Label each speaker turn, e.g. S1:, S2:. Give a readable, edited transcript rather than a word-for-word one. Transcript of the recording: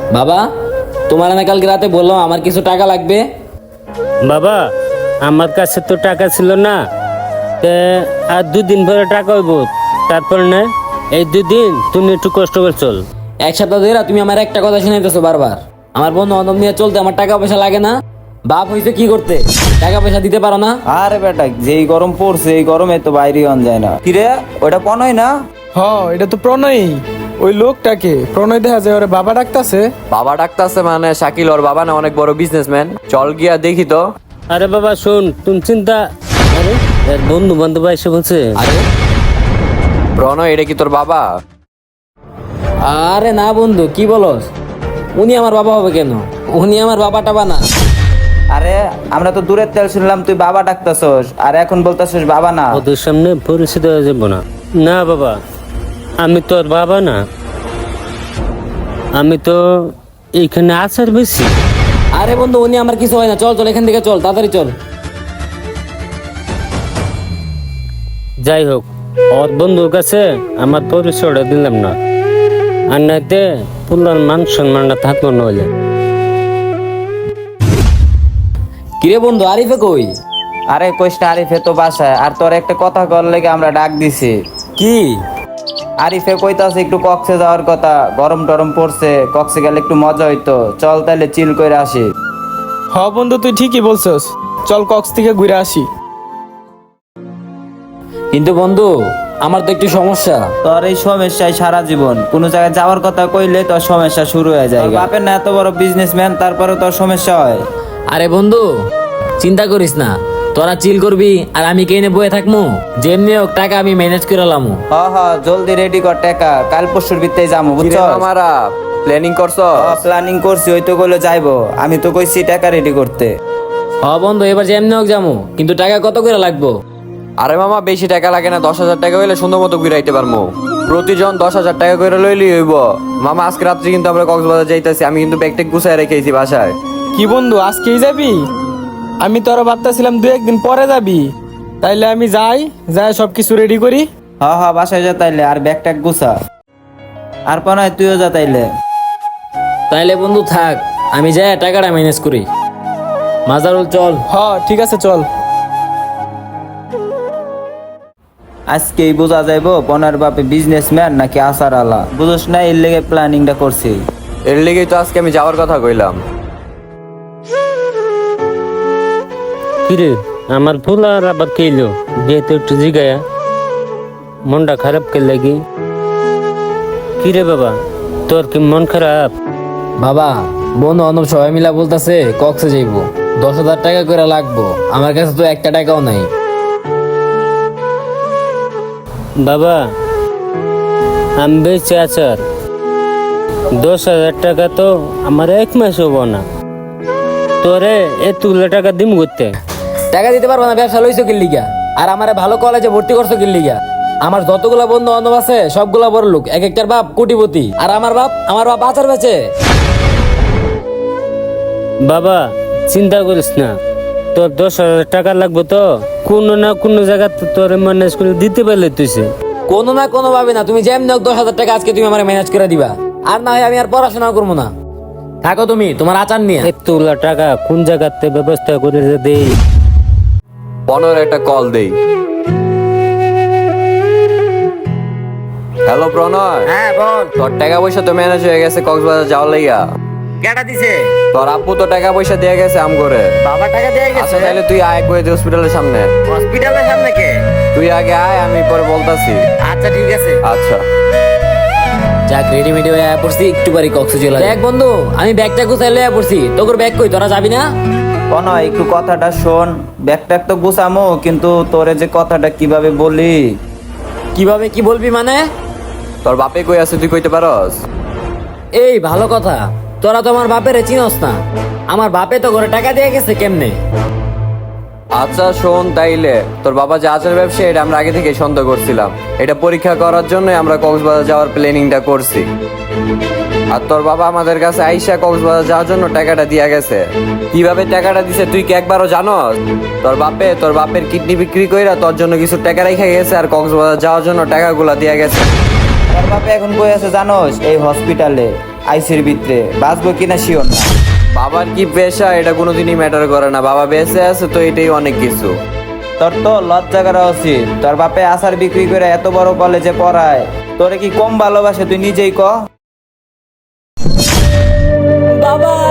S1: বাবা, তোমার না কালকে রাতে বললাম আমার কিছু টাকা লাগবে।
S2: বাবা, আমার কাছে তো টাকা ছিল না, তে আর 2 দিন পরে টাকা হইব। তারপর না, এই 2 দিন তুমি একটু কষ্ট করে চল।
S1: এক সপ্তাহ ধরে তুমি আমার একটা কথা শুনাইতেছো বারবার। আমার বন্ধু বান্ধব নিয়ে চলতে আমার টাকা পয়সা লাগে না? বাপ হইছে কি করতে, টাকা পয়সা দিতে পারো না?
S3: আরে বেটা, যেই গরম পড়ছে এই গরমে তো বাইরে আন যায় না। কিরে, ওটা পনয় না?
S4: হ, এটা তো প্রণয়ী। ওই লোকটাকে প্রণয় দেখা যায় ওরে বাবা ডাকতাছে।
S5: বাবা ডাকতাছে মানে শাকিল ওর বাবা না অনেক বড় বিজনেসম্যান। চল গিয়া দেখি তো।
S2: আরে বাবা শোন, তুমি চিন্তা। আরে এর বন্ধু বান্ধব এসে বলছে।
S1: আরে
S5: প্রণয়, এটা কি তোর বাবা?
S1: আরে না বন্ধু, কি বলস? উনি আমার বাবা হবে কেন? উনি আমার বাবা টাবা না।
S3: আরে আমরা তো দূরের তেল শুনলাম তুই বাবা ডাকতাছস, আর এখন বলতাছস বাবা না।
S2: ওদের সামনে পরিচিত হয়ে যাবো না। না বাবা, আমি তোর বাবা না, আমি তো এইখানে আসার বেশি।
S1: আরে বন্ধু, উনি আমার কিছু হয় না। চল চল, এখান থেকে চল, তাড়াতাড়ি চল।
S2: যাই হোক, ওর বন্ধুর কাছে আমার পরিচয়টা দিলাম না, আর নাইতে পুলার মান সম্মানটা থাকলো নইলে।
S1: কিরে বন্ধু, আরিফে কই?
S3: আরে কইসটা, আরিফে তো বাসায়। আর তোর একটা কথা কর লেগে আমরা ডাক দিছি।
S1: কি?
S3: আরিফে কইতাছে একটু কক্সে যাওয়ার কথা, গরম টরম পড়ছে, কক্সে গেলে একটু মজা হইতো। চল তাহলে চিল করে আসি।
S4: হ বন্ধু, তুই ঠিকই বলছস, চল কক্স থেকে ঘুরে আসি।
S1: কিন্তু বন্ধু, আমার তো একটু সমস্যা।
S3: তোর এই সমস্যায় সারা জীবন কোনো জায়গায় যাওয়ার কথা কইলে তোর সমস্যা শুরু হয়ে যায়। তোর বাপের না এত বড় বিজনেসম্যান, তারপরে তোর সমস্যা হয়।
S1: আরে বন্ধু, চিন্তা করিস না। তোরা চিল করবি আর আমি কেনে বয়ে থাকবো। যেমনি হোক টাকা আমি ম্যানেজ করে লামু।
S3: হ হ, জলদি রেডি কর টাকা, কাল পরশুর ভিতরে যাবো,
S5: কিরে
S3: বুঝছো?
S5: মামারা, প্ল্যানিং করছো?
S3: প্ল্যানিং করছি, ওই তো কইলো যাইবো। আমি তো কইছি টাকা রেডি করতে।
S1: হ বন্ধু, এবার যেমনি হোক যামু, কিন্তু টাকা কত করে লাগবো?
S5: আরে মামা, বেশি টাকা লাগে না, 10,000 টাকা হইলে সুন্দর মতো ঘুরাইতে পারবো। প্রতিজন 10,000 টাকা করে লইলি হইব। মামা, আজকে রাত্রে কিন্তু আমরা কক্সবাজার যাইতেছি। আমি কিন্তু ব্যাগ ট্যাগ গুছাই রেখেছি বাসায়।
S4: কি বন্ধু, আজকেই যাবি? আমি তো আরো ভাবতেছিলাম 2-1 দিন পরে যাবি। তাইলে আমি যাই, সবকিছু রেডি করি।
S3: হ হ, বাসায় যা তাইলে, আর ব্যাগ ট্যাগ গুছা। আর পনায় তুইও যা তাইলে।
S1: তাইলে বন্ধু থাক, আমি যাই টাকাটা ম্যানেজ করি। মাজারুল চল।
S4: হ ঠিক আছে, চল।
S3: আজকেই বোঝা যাইবো পনার বাপে বিজনেসম্যান নাকি আসার আলা। বুঝোস না, এর লেগে প্ল্যানিংটা করছি।
S5: এর লেগেই তো আজকে আমি যাওয়ার কথা কইলাম।
S2: কিরে, আমার ফুল আর আবার কেলো যেহেতু একটু জিগায়া মনটা খারাপ কে লাগি। কিরে বাবা, তোর কি মন খারাপ?
S1: বাবা, বন্ধু বান্ধব সবাই মিলা বলতেছে কক্সে যাইবো, 10,000 টাকা করে লাগবো। আমার কাছে তো একটা টাকাও নাই।
S2: বাবা, আমি বেঁচে আচার 10,000 টাকা তো আমার 1 মাস হবো না। তোরে এতগুলো টাকা দিম করতে?
S1: টাকা দিতে পারবো না, ব্যবসা লইছো কি লিগা? আর আমারে ভালো কলেজে ভর্তি করছো কি লিগা? আমার যতগুলা বন্ধু বান্ধব আছে সবগুলা বড় লোক, এক একটার বাপ কোটিপতি। আর আমার বাপ আচার বেচে।
S2: বাবা, চিন্তা করিস না, তোর 10,000 টাকা লাগবে তো কোনো না কোনো জায়গা তোর ম্যানেজ করে দিতে পারলে তুইছে।
S1: কোনো না কোনো ভাবে না, তুমি যেমনি হোক 10,000 টাকা আজকে তুমি আমার ম্যানেজ করে দিবা। আর না হয় আমি আর পড়াশোনা করবো না। থাকো তুমি তোমার আচার নিয়ে।
S2: এতগুলা টাকা কোন জায়গাতে ব্যবস্থা করে দেই?
S5: 15 একটা কল দেই। হ্যালো প্রণয়।
S1: হ্যাঁ বল।
S5: তোর টাকা পয়সা তো ম্যানেজ হয়ে গেছে কক্সবাজার যাওয়ার লাইগা।
S1: কেটা দিছে?
S5: তোর আব্বু তো টাকা পয়সা দিয়ে গেছে আম করে।
S1: বাবা টাকা দিয়ে
S5: আচ্ছা তাহলে তুই আয় করে হসপিটালের সামনে।
S1: হসপিটালের সামনে কে?
S5: তুই আগে আয়, আমি পরে বলতাছি।
S1: আচ্ছা ঠিক আছে।
S5: আচ্ছা।
S1: যাক, রেডিমেডি হয়ে পড়ছি, একটু বাড়ি কক্সে চলে দেখ বন্ধু, আমি ব্যাগটা গুছাই লইয়া পড়ছি। তোর ব্যাগ কই? তোরা যাবি না?
S3: পনয়, একটু কথাটা শোন। ব্যাগ ট্যাগ তো গুছামো, কিন্তু তোরে যে কথাটা কিভাবে বলি।
S1: কিভাবে কি বলবি মানে?
S5: তোর বাপে কই আছে তুই কইতে পারস?
S1: এই ভালো কথা, তোরা তো আমার বাপের চিনস না। আমার বাপে তো ঘরে টাকা দিয়ে গেছে কেমনে?
S5: আচ্ছা শোন, তাইলে তোর বাবা যে আচার ব্যবসা, এটা আমরা আগে থেকে সন্দেহ করছিলাম। এটা পরীক্ষা করার জন্য আমরা কক্সবাজার যাওয়ার প্ল্যানিংটা করছি। আর তোর বাবা আমাদের কাছে আইসা কক্সবাজার যাওয়ার জন্য টাকাটা দিয়া গেছে। কিভাবে টাকাটা দিছে তুই কি একবারও জানোস? তোর বাপের কিডনি বিক্রি কইরা তোর জন্য কিছু টাকা রেখে গেছে, আর কক্সবাজার যাওয়ার জন্য টাকাগুলা দিয়া গেছে।
S3: তোর বাপে এখন কই আছে জানোস? এই হসপিটালে। আইসির ভিতরে বাঁচবো কিনা শিওর না।
S5: বাবার কি পেশা এটা কোনোদিনই ম্যাটার করে না, বাবা বেঁচে আছে তো এটাই অনেক কিছু।
S3: তোর তো লজ্জা করা উচিত, তোর বাপে আচার বিক্রি করে এত বড় কলেজে পড়ায়, তোরে কি কম ভালোবাসে তুই নিজেই ক।
S1: বাবা